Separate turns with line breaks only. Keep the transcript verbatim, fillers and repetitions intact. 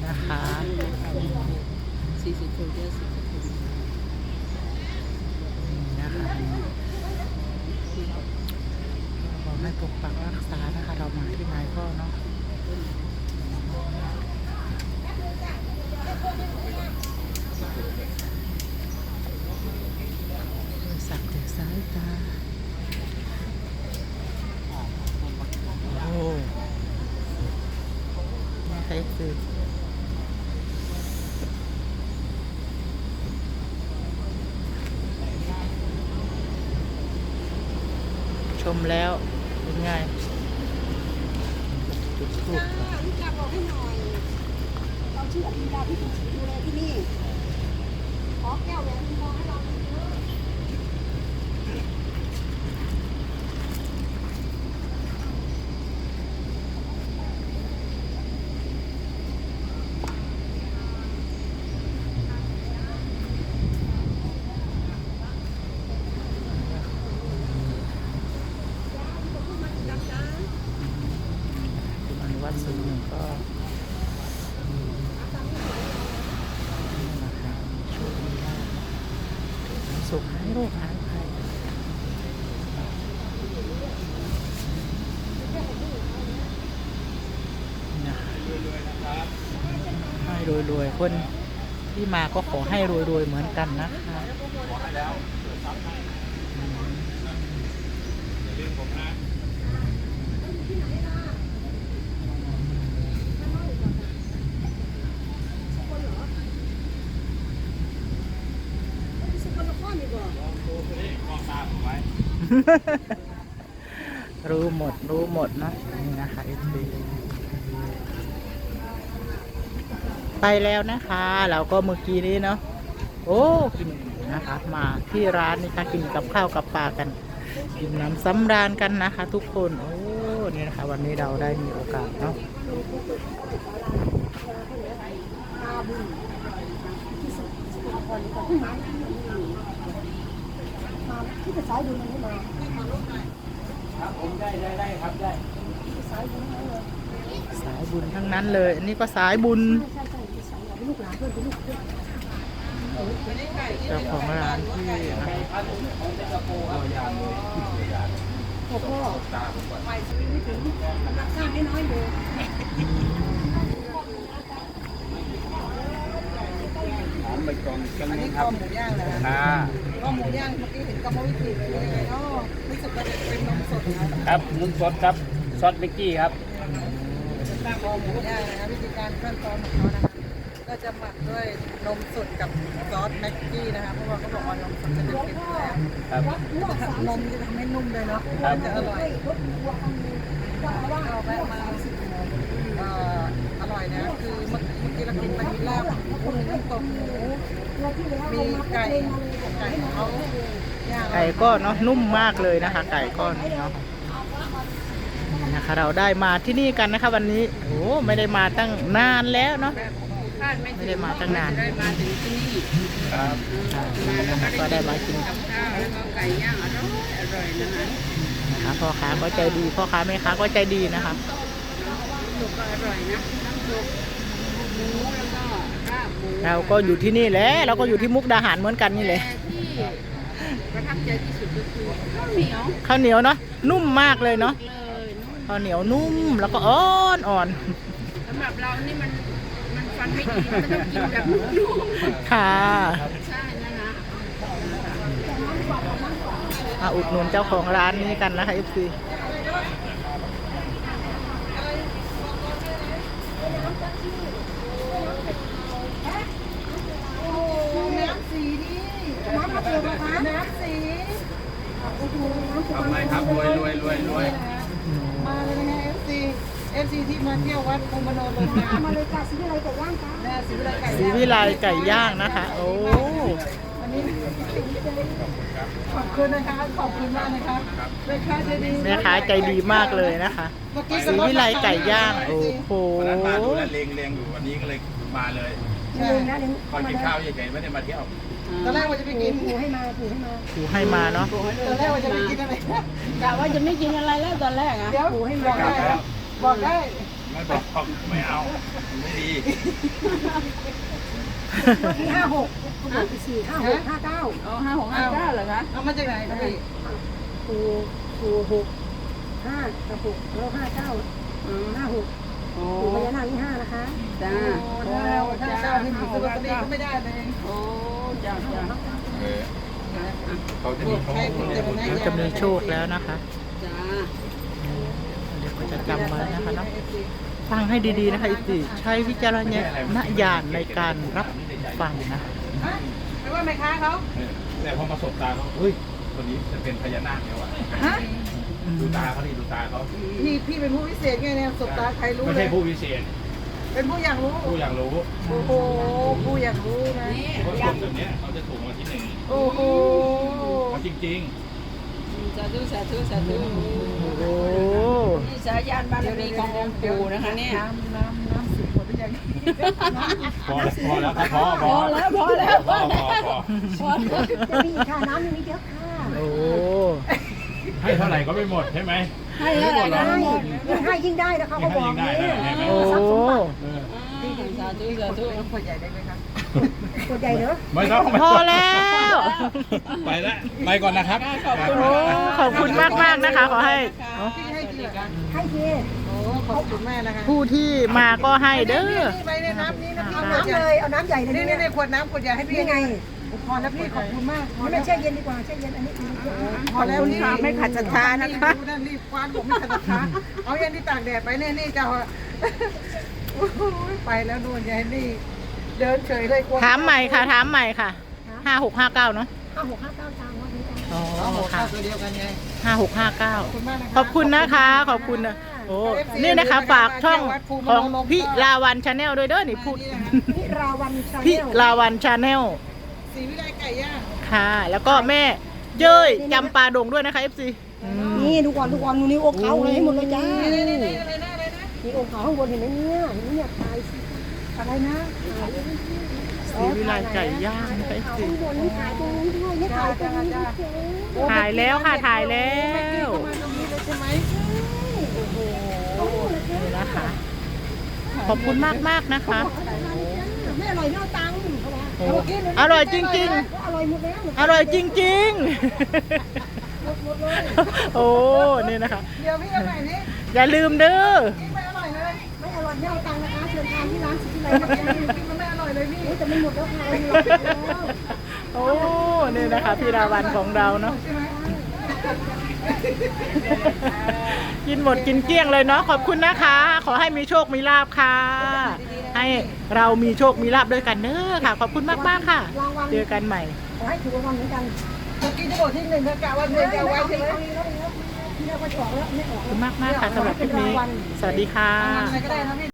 นะคะ
สี่สิบคนเยอะสิบคน
นี่นะคะขอให้ปกปักรักษานะคะเรามาที่ไหนก็เนาะสักแต่สายตาโอ้นี่ใครคือชมแล้วเป็นไงจุดทูบ
ลูกยาบอกให้หน่อยเราชื่ออภิญญาที่ถูกดูแลที่นี่ขอแก้วแหวนทองให้เราเยอะ
มันวัดสูงหนึ่งก็ช่วยได้สุขให้โรคหายไปให้รวยๆคนที่มาก็ขอให้รวยๆเหมือนกันนะคะรู้หมดรู้หมดเนาะนี่นะคะเอฟซีไปแล้วนะคะเราก็เมื่อกี้นี้เนาะโอ้กินนะคะมาที่ร้านนี่ค่ะกินกับข้าวกับปลากันกินน้ำสำราญกันนะคะทุกคนโอ้นี่นะคะวันนี้เราได้มีโอกาสเนาะ
ที่จะสายดูมันไม่มา
ครับผมได้ได้ได้ครับได้
สายดูมันเลย
สายบุญทั้งนั้นเลยอันนี้ก็สายบุญ
ใช่ใช่ที่สายลูกหลานเพื่อนเป็นลูกเพื่อน
เจ้าของร้านที่
พ่อพ่อไปซื้อไม่ถึงราคาไม่น้อยเลย
ถามไปกองกัน
อัน
นะ
นี้
ค
ข้
รั
อบ หมูย่างนะ
ค่ะ
ข้อหมูย่างเมื่อกี้เห็นกรรมวิธีเลยยังไงเนาะรู้สึกว่าจะเป็นนมสดนะครับ
นุ่นสดครับซอสเบกกี้ครับ
ตั้งคอหมูย่างนะวิธีการขั้นตอนของเขานะคะก็จะหมักด้วยนมสดกับซอสแม็กกี้นะคะเพราะว่าเขาบอกว่านมสดจะเป็นเค็มอยู่แล้ว
ครับ
นมจะทำให้นุ่มเลยเนาะ
ครับ
จะอร่อยเอาแวะมาเอ่ออร่อยนะคือเมื่อเมื่อกี้เรากินไปมีลาบกุ้งน้ำตกหมูมีไก่ไก่ของเขาย่าง
ไก่ก็เนาะนุ่มมากเลยนะคะ ไก่ก้อนนี้เนาะนี่นะคะเราได้มาที่นี่กันนะคะ วันนี้โอ้ไม่ได้มาตั้งนานแล้วเนาะ
คาดไม่
ไม่ได้มาตั้งนาน
ได้มาถึงที่นี่
ครับ
ค่ะนะคะก็ได้มากิน
กับข้าวแล้วก็ไก่ย่างอร่อยอร่อยนะคะ
นะคะพ่อค้าก็ใจดีพ่อค้าแม่ค้าก็ใจดีนะคะ
สุกก็อร่อยนะน้ำซุปหมูแล้วก็ลาบหมู
เราก็อยู่ที่นี่แหละเราก็อยู่ที่มุกดาหารเหมือนกันนี่แหละ
ที่ประทับใจที่สุดก็คือข้าวเหนียว
ข้าวเหนียวเนาะนุ่มมากเลยเนาะ
เลยนุ่ม
ข้าวเหนียวนุ่มแล้วก็อ่อนอ่อน
สำหรับเรานี่มันมันฟันไม่ดีมันต้องกินแบบนุ่ม
ค่ะ
ๆใช่นะนะ
มาอุดหนุนเจ้าของร้านนี้กันนะคะเอฟซี
น้ำสีนี่น้ำมะเขือนะคะน้ำสีโอ้โหน้ำ
ทำไมครับรวยรวยรวยรวย
มาเลยนะเอฟซีเอฟซีที่มาเที่ยววัดองค์มโนลมนะ
มาเลยค่ะสีอะไรไก่ย่างคะ
แม่สีวิไลไก่
สีวิไลไก่ย่างนะคะ โอ้
วันนี้ขอบคุณนะคะขอบคุณมากนะคะแม่ค้าใจดี
แม่ค้าใจดีมากเลยนะคะ
เมื่อกี้
สีวิไลไก่ย่างโอ้โห
วันนั้นมาดูแลเลงเลงอยู่วันนี้ก็เลยมาเลย
เลี้ยงนะเลี้ยง
ตอนกินข้าวเฉยๆไม่ได้มาเที่ยว
ตอนแรกว่าจะไปกิน
ปูให้มาปูให้มา
ถูให้มาเนาะ
ตอนแรกว่าจะไปกินอะไร
กะว่าจะไม่กินอะไรแล้วตอนแรกอ่ะ
เดี๋ยวบอกได้บอกได้
งไม่บอกไม่เอาไม่ดี
ที่ห้าหกเขาบอกไปสี่ห้าหกห้าเก้า
เอาห้าหกห้าเก้าเหรอคะเอามาจากไหนคะพี่
ครูครูหกห้ากับหกแล้วห้าเก้าห้าหก
โอ้
ครูพญานาคที่ห้านะคะ
จ้า โอ้ถ้าเจ้าที่มีซื้อลอตเตอรี่ก็ไม่ได้เลยโอ้จ้าจ้า
เออเขาจะมีโชค
เราจะมีโชคแล้วนะคะ
จ้า
เดี๋ยวก็จะจำไว้นะคะเนาะฟังให้ดีๆนะคะอิติใช้วิจารณญาณในการรับฟังนะ
ไม่ว่าแม่ค้าเขา
แต่พอมาสบตาเขาเฮ้ยคนนี้จะเป็นพญานาคแล้วอ่ะ
ฮะ
ดูตาเขาดิดูตาเขา
พี่พี่เป็นผู้พิเศษไงเนี่ยสบตาใครรู้
ไม่
เล
ใช่
ย
ผู้พิเศษ
เป็นผู้อยากรู้
ผู้อยากรู้
โอ้โหผู้อยากรู้นะ
คนแบบนี้เขาจะถูกมาที่หนึ่ง
โอ้โห
เขาจริง
สาธุสาธุสาธุ
โอ้
นี่สายานบารมีขององค์ปู่นะคะเนี่ย
น้ำน้ำน้ำสิบคนหรือยัง
ๆพอพอแล้วครับพอพ
พ
อ
อแล้วพอแล้ว
พอพอพอ
พอแล้ว
จะมีอีกค่ะน้ำยังมีเยอะค่ะ
โอ้
ให้เท่าไหร่ก็ไม่หมดใช่ไหม
ให้เท่าไหร่
ได้
นะ
ยิ่งให้ยิ่งได้นะคะเขาบอกนี่
โอ้
ทรัพย์สมบัติ
เออ
สาธุสาธุ
ขวดใหญ่ได้ไหมคะ
ตัวใหญ่เนอะ
ไม่ต้อง
พอแล้ว
ไปแล้วไปก่อนนะครับ
ขอบคุณ
โอ้ขอบคุณมากๆนะคะ ขอให้
พี่ให้กี่เหรอคะ
ให้เท
โอ้ขอบคุณแม่นะคะ
ผู้ที่มาก็ให้เด้อ
นี่ไปในน้ำนี้นะพี่
เอา
ขวด
น้ำ
ใหญ่
เลยเอาน้ำใหญ่เลย
นี่
นี่
นี่ในขวดน้ำขวดใหญ่ให้พี่
นี่ไง
พอแล้วพี่ขอบคุณมาก
นี่ไม่แช่เย็นดีกว่าแช่เย็นอันนี้คือ
พอแล้วนี่ไม่ขัดศรัทธานะคะดูนั่นรีบคว้านผมไม่ขัดศรัทธาเอายันที่ตากแดดไปเนี่ยนี่เจ้าไปแล้วนู่นยายนี่เดินเฉยเลยกลัว
ถามใหม่ค่ะ ถามใหม่ค่ะห้าหกห้าเก้าเนาะ
ห้าหกห้าเก้าจานวันนี้จ้ะ
อ๋อ
เอาหัว
ค่ะ
ข้าวตัวเดียวกันไง
ห้าหกห้าเก้า
ขอบคุณมากนะคะ
ขอบคุณนะคะ ขอบคุณนะโอ้นี่นะคะ ฝากช่องของพี่ลาวันชาแนลด้วยเด้อนี่พูด
พิราวันชาแน
พี่
ล
ลาวันชาแนล
สีวิไลไก่ย่าง
ค่ะ แล้วก็แม่เย้ยจำปาดงด้วยนะคะ เอฟ ซี
นี่ดูก่อนดูก่อนดูนิ้วอกเขาเลยให้หมดเลยจ้า
นี่นี่นี่อะไรนะอะไรนะ
มีอกเขาข้างบนเห็นไหมเนี่ยเห็นไหมเนี่ยถ่ายสิอะไรนะ
สีวิไลไก่ย่างนะคะ
ถ่าย
เอฟ ซี
ข้างบนนี่ถ่ายตรงนี้ด้วยนี่ถ่ายตรงนี้ด้วย
ถ่ายแล้วค่ะ ถ่ายแล้ว
มาตรงนี้เลยใช่ไหม
นี่นะคะ ขอบคุณมากมากๆนะคะ
ไม่อร่อยไม่เอาตังค์เขาบอก
โอ้อร่อยจริง
อร่อยหมดแล้ว
ๆ อร่อยจริง
หมดหมดเลย
ๆ โอ้ นี่นะคะ
เดี๋ยวพี่เอาใหม่นี่
อย่าลืมเด้อ
กินไม่อร่อยเลย
ไม่อร่อยไม่เอาตังค์นะคะเชิญทานที่ร้านสิทธิไลน์นะคะ
กินมันไม่อร่อยเลยพี่
แต่มันหมดแล้วค่ะมีหลอดแล้ว
โอ้ นี่นะคะพี่ราวันของเราเนาะ
ใช่ไหม
กินหมดกินเกลี้ยงเลยเนาะ ขอบคุณนะคะ ขอให้มีโชค มีลาบค่ะ ให้เรามีโชค มีลาบด้วยกันเด้อค่ะ ขอบคุณมากๆค่ะ เจอกันใหม่
ขอให้ถูกรางวัลเหมือนกัน
เมื่อกี้จะบอกที่หนึ่งเธอกะว่าเธอจะเอาไว้ใช่ไหม
ที่เราไปออกแล้วไม่ออก
ขอบคุณมากๆค่ะสำหรับคลิปนี้ สวัสดีค่ะ
อะไรก็ได้นะพี่